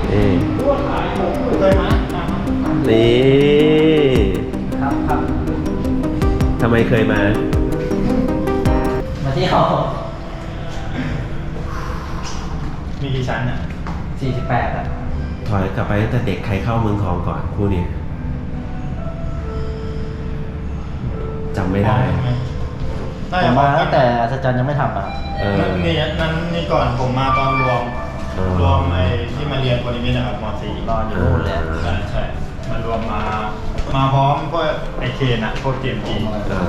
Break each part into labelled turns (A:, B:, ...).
A: นี่
B: เคยมา
A: นี่
C: ครับ
A: ทำไมเคยมา
C: มาเที่ยว
B: มีกี่ชั้นอ่ะ
C: 48อ่ะ
A: ถอยกลับไปตั้งแต่เด็กใครเข้าเมืองทองก่อนคู่นี้จำไม่ได้
C: ผมมาตั้งแต่อัศจรรย์ยังไม่ทำอ่ะ
B: นี่ก่อนผมมาตอนรวมไอ้ที่มาเรียนโพลิมิตนะครับม .4
C: รออยู่นู่นเลย
B: ใช่มารวมมาพร้อมพวกไอเคนอะพวกเกมจี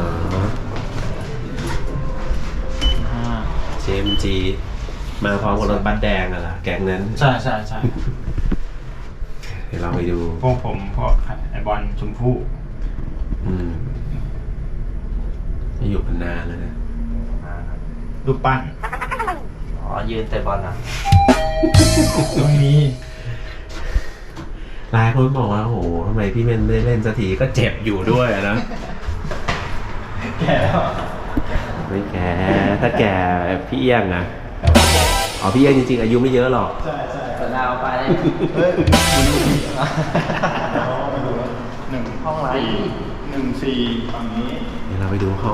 A: เจมจีมาพร้อมกับรถบัสแดงอะล่ะแก๊งนั้น
B: ใช่
A: เดี๋ยวเราไปดู
B: พวกผมพวกไอบอลชมพู่
A: ไม่อยู่กันนานแล้วนะ
B: รูปปั้น
C: อ๋อยืนเตะบอลอ่ะ
B: ตรงนี้
A: หลายคนบอกว่าโอ้โหทำไมพี่เมนไม่ได้เล่นสักทีก็เจ็บอยู่ด้วยอะนะ
B: แก่แล้ว
A: ไม่แก่ถ้าแก่พี่เอี้ยงอะอ๋อพี่เอี้ยงจริงๆอายุไม่เยอะหรอก
B: ใช่
C: เปิดดาวไปเลย
B: เฮ้ยมาดูหนึ่ง
C: ห้องไหน
B: 1-4ฝั่งนี้
A: เดี๋ยวเราไปดูห้อง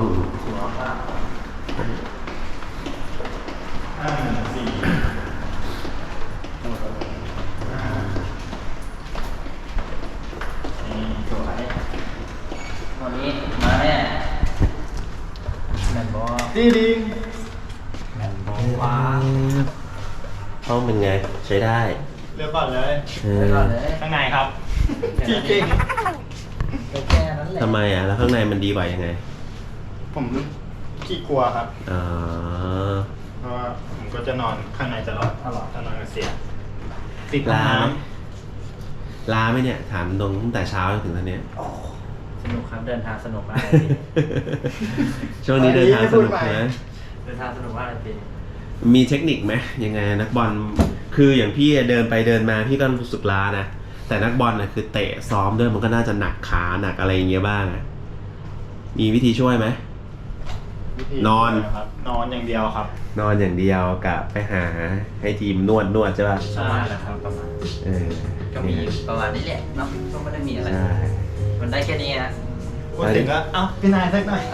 C: สวยวันนี้มาแน่แมนบอล
B: ดีแมนบอลว้า
A: ห้องเป็นไงใช้ได้
B: เลือกก่อนเลย
C: ไปก่อนเลย
B: ข้างในครับที่เก่ง
C: แค่นั้นแหละ
A: ทำไมอ่ะแล้วข้างในมันดีกว่ายังไง
B: ผมขี้กลัวครับ
A: อ๋อ
B: เพราะว่าผมก็จะนอนข้างในตลอดถ้านอนก็เสียติด
A: ลาไหม
B: น้
A: ลาไหมเนี่ยถามตรงตั้งแต่เช้าจนถึงตอนนี้
C: สนุกครับเดินทางสนุกมากเลยพี่
A: ช่วงนี้เดินทางสนุกนะ
C: เดินทางสนุกมากเลยพี่
A: มีเทคนิคไหมยังไงนักบอลคืออย่างพี่เดินไปเดินมาพี่ก็รู้สึกล้านะแต่นักบอลน่ะคือเตะซ้อมด้วยมันก็น่าจะหนักขาหนักอะไรอย่างเงี้ยบ้างอะมีวิธีช่วยไหม
B: ำวิธี
A: นอน
B: ครับนอนอย่างเดียวครับ
A: นอนอย่างเดียวกับไปหาให้ทีมนวดใช่ป่ะ
C: ประมาณนะครับประมาณ
A: เออ
C: ก็มีประมาณนี้แหละเนาะก็ไม่ได้มีอะไร
A: ใช่
C: มันได้แค่นี้ฮะ
B: พูดถึงก็เอ้าพี่นายสักหน่อย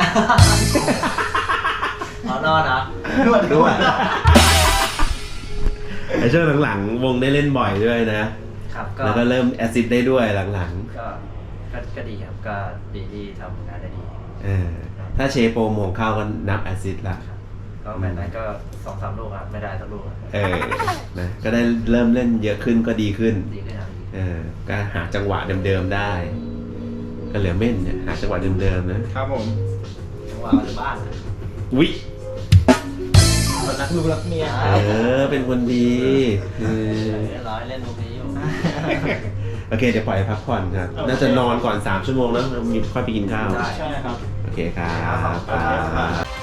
C: อ๋อนอนเหรอน
B: วด
A: ไอช่วงหลังๆวงได้เล่นบ่อยด้วยนะครับ แล้วก็เริ่มแอสซิสต์ได้ด้วยหลัง
C: ก็ดีครับก็ดีที่ทำงานได้ดี
A: ๆถ้าเชโปรโมงเข้าก็นับแอสซิสต์ละ
C: ก็แมตช์นั้นก็2-3 ลูกครับไม่ได้สักลูกครับ
A: นะก็ได้เริ่มเล่นเยอะขึ้นก็ดีขึ้น
C: ดีขึ้นครับ
A: ก็หาจังหวะเดิมๆได้ ก็เหลือเม่นเนี่ยหาจังหวะเดิมๆนะครับ
B: ผม
C: จังหวะมาจากบ้านนะ
A: วิ
B: คนรักลูกรักเมีย
A: เป็นคนดีเออ
C: เรียบร้อยเล่นลูกนี้อยู่
A: โอเคเดี๋ยวปล่อยพักผ่อนครับ น่าจะนอนก่อน3 ชั่วโมงแล้วมีค่อยไปกินข้าว
C: ได้
B: ใช่ครับ
A: โอเคครับ